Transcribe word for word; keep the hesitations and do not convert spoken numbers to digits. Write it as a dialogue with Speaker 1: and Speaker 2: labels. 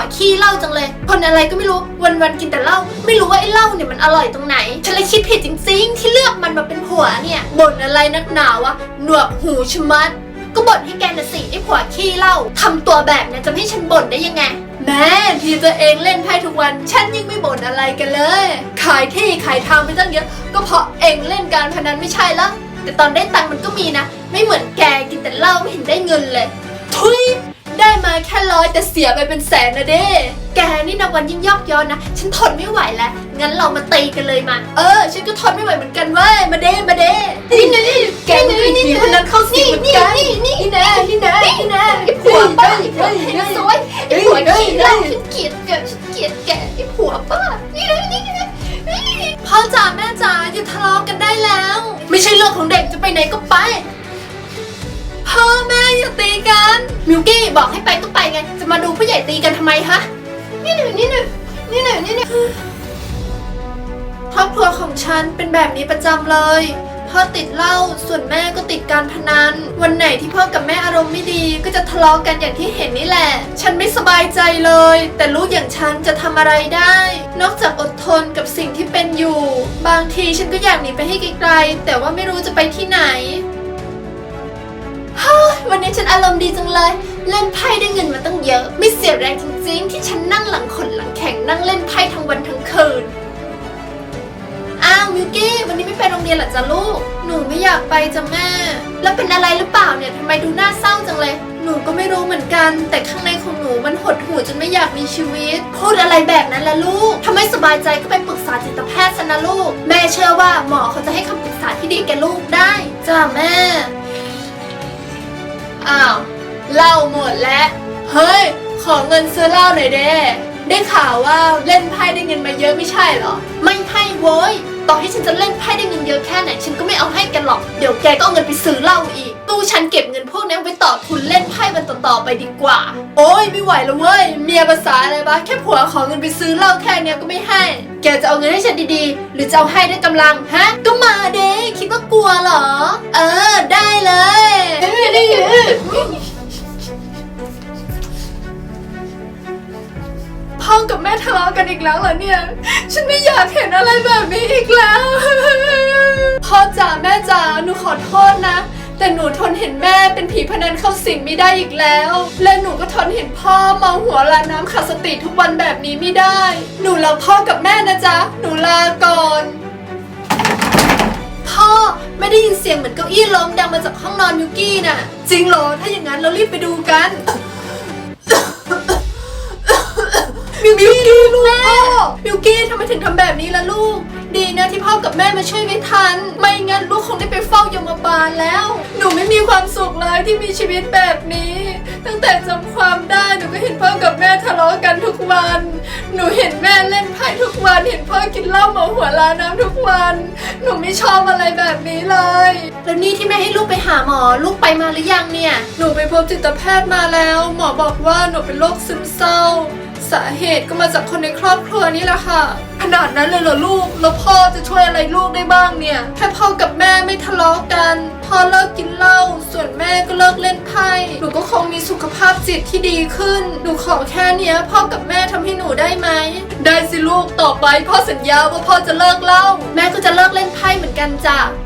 Speaker 1: ขี้เหล้าจังเลยคนอะไรก็ไม่รู้วันๆกินแต่เหล้าไม่รู้ว่าไอ้เหล้าเนี่ยมันอร่อยตรงไหนฉันเลยคิดผิดจริงๆที่เลือกมันมาเป็นผัวเนี่ยบ่นอะไรนักหนาวะหนวกหูชะมัดก็บ่นให้แกน่ะสิไอ้ผัวขี้เหล้าทำตัวแบบนี้จะให้ฉันบ่นได้ยังไงแม่ที่ตัวเองเล่นไพ่ทุกวันฉันยังไม่บ่นอะไรกันเลยขายที่ขายทางไปตั้งเยอะก็เพราะเองเล่นการพนันไม่ใช่ละแต่ตอนได้ตังค์มันก็มีนะไม่เหมือนแกกินแต่เหล้าไม่เห็นได้เงินเลยทุยได้มาแค่ร้อยแต่เสียไปเป็นแสนนะเด้แกนี่นับวันยิ่งยอกย้อนนะฉันทนไม่ไหวแล้วงั้นเรามาตีกันเลยมาเออฉันก็ทนไม่ไหวเหมือนกันเว้ยมาเด้มาเด้นี่นี่แกนี่นี่นี่คนนั้นเข้าสิเหมือนกันนี่นี่นี่แน่นี่แน่นี่แน่ไอ้ผัวป้าไอ้ผัวเฮงซวยไอ้ผัวขี้เหล้าฉันเกลียดแกฉันเกลียดแกไอ้ผัวป้านี่นี่นี่พ่อจ๋าแม่จ๋าอย่าทะเลาะกันได้แล้วไม่ใช่เรื่องของเด็กจะไปไหนก็ไปพ่อแม่อย่าตีกันมิวกี้บอกให้ไปก็ไปไงจะมาดูผู้ใหญ่ตีกันทำไมฮะนี่หนึ่งนี่หนึ่งนี่หนึ่งนี่หนึ่งครอบครัวของฉันเป็นแบบนี้ประจำเลยพ่อติดเหล้าส่วนแม่ก็ติดการพนันวันไหนที่พ่อกับแม่อารมณ์ไม่ดีก็จะทะเลาะกันอย่างที่เห็นนี่แหละฉันไม่สบายใจเลยแต่ลูกอย่างฉันจะทำอะไรได้นอกจากอดทนกับสิ่งที่เป็นอยู่บางทีฉันก็อยากหนีไปให้ไกลๆแต่ว่าไม่รู้จะไปที่ไหนวันนี้ฉันอารมณ์ดีจังเลยเล่นไพ่ได้เงินมาตั้งเยอะไม่เสียแรงจริงๆที่ฉันนั่งหลังขนหลังแข็งนั่งเล่นไพ่ทั้งวันทั้งคืนอ้าวมิวกี้วันนี้ไม่ไปโรงเรียนเหรอจ๊ะลูกหนูไม่อยากไปจ้ะแม่แล้วเป็นอะไรหรือเปล่าเนี่ยทำไมดูน่าเศร้าจังเลยหนูก็ไม่รู้เหมือนกันแต่ข้างในของหนูมันหดหู่จนไม่อยากมีชีวิตพูดอะไรแบบนั้นล่ะลูกถ้าไม่สบายใจก็ไปปรึกษาจิตแพทย์ซะนะลูกแม่เชื่อว่าหมอเขาจะให้คำปรึกษาที่ดีแก่ลูกได้จ้ะแม่อ้าวเหล้าหมดแล้วเฮ้ยขอเงินซื้อเหล้าหน่อยเด้ได้ข่าวว่าเล่นไพ่ได้เงินมาเยอะไม่ใช่เหรอไม่ให้โว้ยต่อให้ฉันจะเล่นไพ่ได้เงินเยอะแค่ไหนฉันก็ไม่เอาให้กันหรอกเดี๋ยวแกก็เอาเงินไปซื้อเหล้าอีกตู้ฉันเก็บเงินพวกนี้ไปต่อทุนเล่นไพ่มันต่อๆไปดีกว่าโอ้ยไม่ไหวแล้วเว้ยเมียภาษาอะไรบ้าแค่ผัวขอเงินไปซื้อเหล้าแค่เนี้ยก็ไม่ให้แกจะเอาเงินให้ฉันดีๆหรือจะเอาให้ด้วยกำลังฮะก็มาเด้คิดว่ากลัวเหรอเออได้เลยพ่อกับแม่ทะเลาะกันอีกแล้วเหรอเนี่ยฉันไม่อยากเห็นอะไรแบบนี้อีกแล้วพ่อจ๋าแม่จ๋าหนูขอโทษนะแต่หนูทนเห็นแม่เป็นผีพนันเข้าสิงไม่ได้อีกแล้วและหนูก็ทนเห็นพ่อเมาหัวลาน้ำขาดสติทุกวันแบบนี้ไม่ได้หนูรักพ่อกับแม่นะจ๊ะหนูลาก่อนพ่อไม่ได้ยินเสียงเหมือนเก้าอี้ล้มดังมาจากห้องนอนมิวกี้น่ะจริงเหรอถ้าอย่างนั้นเรารีบไปดูกันมิวกี้ลูกพ่อมิวกี้ทำไมถึงทำแบบนี้ล่ะลูกดีนะที่พ่อกับแม่มาช่วยไว้ทันไม่งั้นลูกคงได้ไปเฝ้ายมบาลแล้วหนูไม่มีความสุขเลยที่มีชีวิตแบบนี้ตั้งแต่จำความได้หนูก็เห็นพ่อกับแม่ทะเลาะกันทุกวันหนูเห็นแม่เล่นไพ่ทุกวันเห็นพ่อกินเหล้าเมาหัวลาน้ำทุกวันหนูไม่ชอบอะไรแบบนี้เลยแล้วนี่ที่แม่ให้ลูกไปหาหมอลูกไปมาหรือยังเนี่ยหนูไปพบจิตแพทย์มาแล้วหมอบอกว่าหนูเป็นโรคซึมเศร้าสาเหตุก็มาจากคนในครอบครัวนี่แหละค่ะขนาดนั้นเลยเหรอลูกแล้วพ่อจะช่วยอะไรลูกได้บ้างเนี่ยแค่พ่อกับแม่ไม่ทะเลาะกันพ่อเลิกกินเหล้าส่วนแม่ก็เลิกเล่นไพ่หนูก็คงมีสุขภาพจิตที่ดีขึ้นหนูขอแค่เนี้ยพ่อกับแม่ทำให้หนูได้ไหมได้สิลูกต่อไปพ่อสัญญาว่าพ่อจะเลิกเหล้าแม่ก็จะเลิกเล่นไพ่เหมือนกันจ้ะ